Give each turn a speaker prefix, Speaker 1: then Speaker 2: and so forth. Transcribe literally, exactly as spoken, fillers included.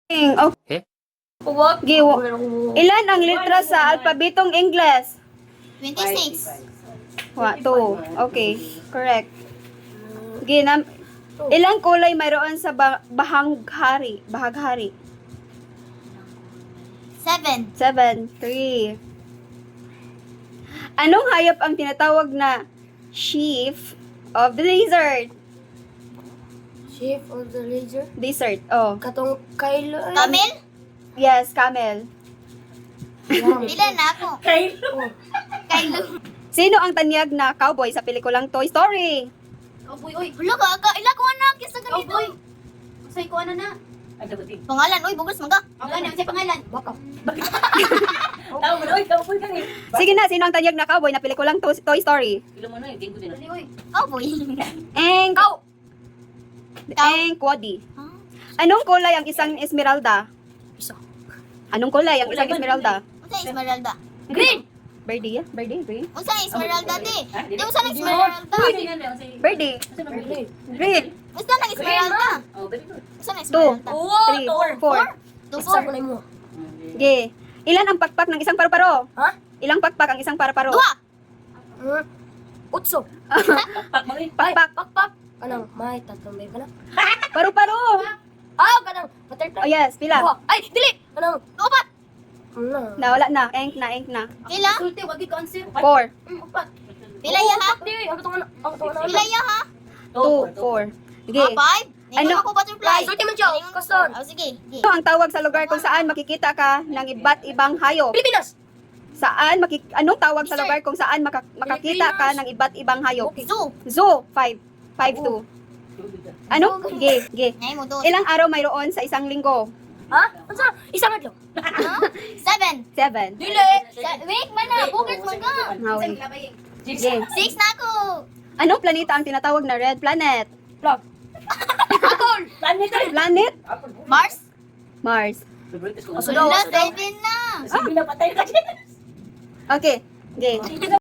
Speaker 1: Okay.
Speaker 2: What?
Speaker 1: Giwo. Ilan ang letra sa alpabetong Ingles?
Speaker 3: twenty-six.
Speaker 1: Wa, two. Okay, correct. Ginam Ilang kulay mayroon sa ba- bahanghari? Bahaghari.
Speaker 3: Seven.
Speaker 1: Seven. Three. Anong hayop ang tinatawag na chief of the lizard?
Speaker 2: Chief of the laser?
Speaker 1: Desert. Oh.
Speaker 2: Katong Kylo.
Speaker 3: Camel?
Speaker 1: Yes, camel.
Speaker 3: Pila na ako.
Speaker 2: Kylo.
Speaker 3: Kylo.
Speaker 1: Sino ang tanyag na cowboy sa pelikulang Toy Story?
Speaker 3: Cowboy, oy. Wala ka, ka. Ila ko anak. Kisa ganito. Cowboy. Say ko ano na. Pangalan, oy. Bugos mga. Ang ganyan, say pangalan.
Speaker 2: Baka. Tao mo na, oy. Cowboy ka ni.
Speaker 1: Sige na, sino ang tanyag na cowboy na pelikulang to- Toy Story?
Speaker 2: Kilo mo na, yung ko din.
Speaker 3: Cowboy.
Speaker 1: Eng
Speaker 3: Cow.
Speaker 1: Eng Kwadi.
Speaker 3: Huh?
Speaker 1: Anong kulay ang isang esmeralda?
Speaker 2: Isa.
Speaker 1: Anong kulay ang isang esmeralda?
Speaker 3: Unsa Esmeralda?
Speaker 2: Green.
Speaker 1: Birdie, yeah? Birdie, green.
Speaker 3: Unsa Esmeralda di? Di unsa nang Esmeralda?
Speaker 1: Birdie. Green.
Speaker 3: Unsa nang Esmeralda? Unsa nang
Speaker 1: Two.
Speaker 3: Esmeralda?
Speaker 1: Three. Four.
Speaker 3: Two,
Speaker 2: Isa
Speaker 3: four.
Speaker 2: ko na mo.
Speaker 1: Okay. Ilan ang pakpak ng isang paru-paro?
Speaker 2: Ha?
Speaker 1: Ilang pakpak ang isang paru-paro?
Speaker 3: Dua.
Speaker 2: Hmm. Utso.
Speaker 1: Pakpak.
Speaker 2: Pakpak. Kanang, may tatlong may kanang.
Speaker 1: Paru-paro.
Speaker 2: Ah, kanang, butterfly.
Speaker 1: Oh yes, pila.
Speaker 2: Dua. Ay, dili. Kanang,
Speaker 3: Upat.
Speaker 2: ano?
Speaker 1: Na, wala na. Eng na, eng na.
Speaker 3: Pila?
Speaker 2: Sulti, wag ka answer.
Speaker 1: Four.
Speaker 2: Upat.
Speaker 3: Pila ya ha?
Speaker 2: Di, ang katong ano, ang katong ano.
Speaker 3: Pila ya ha?
Speaker 1: Two. Four. Sige.
Speaker 3: Ah, five?
Speaker 1: Ano?
Speaker 3: Ano? Ako butterfly.
Speaker 2: Sulti man siya, kaston.
Speaker 3: Oh, sige. Sige.
Speaker 1: Ano ang tawag sa lugar kung saan makikita ka ng iba't ibang hayop?
Speaker 2: Pilipinas.
Speaker 1: Saan makik anong tawag sa lugar kung saan maka- makakita ka ng iba't ibang hayop?
Speaker 3: Zoo.
Speaker 1: Zoo. Five. Five two. Ano? Ge, ge.
Speaker 3: Ngay mo doon.
Speaker 1: Ilang araw mayroon sa isang linggo?
Speaker 2: Ha? Ano sa? Isang adlaw.
Speaker 3: Ha? Seven.
Speaker 1: Seven.
Speaker 2: Dili.
Speaker 3: Sa- Wait, mana. Bugers man ka.
Speaker 1: Hawi. Ge.
Speaker 3: Six na ako.
Speaker 1: Anong planeta ang tinatawag na red planet?
Speaker 2: Vlog. Apple. Planet.
Speaker 1: Planet?
Speaker 3: Mars?
Speaker 1: Mars.
Speaker 2: Aso daw,
Speaker 3: Wala,
Speaker 2: aso daw.
Speaker 3: seven na.
Speaker 2: Sige na, patay ka.
Speaker 1: Okay. Ge.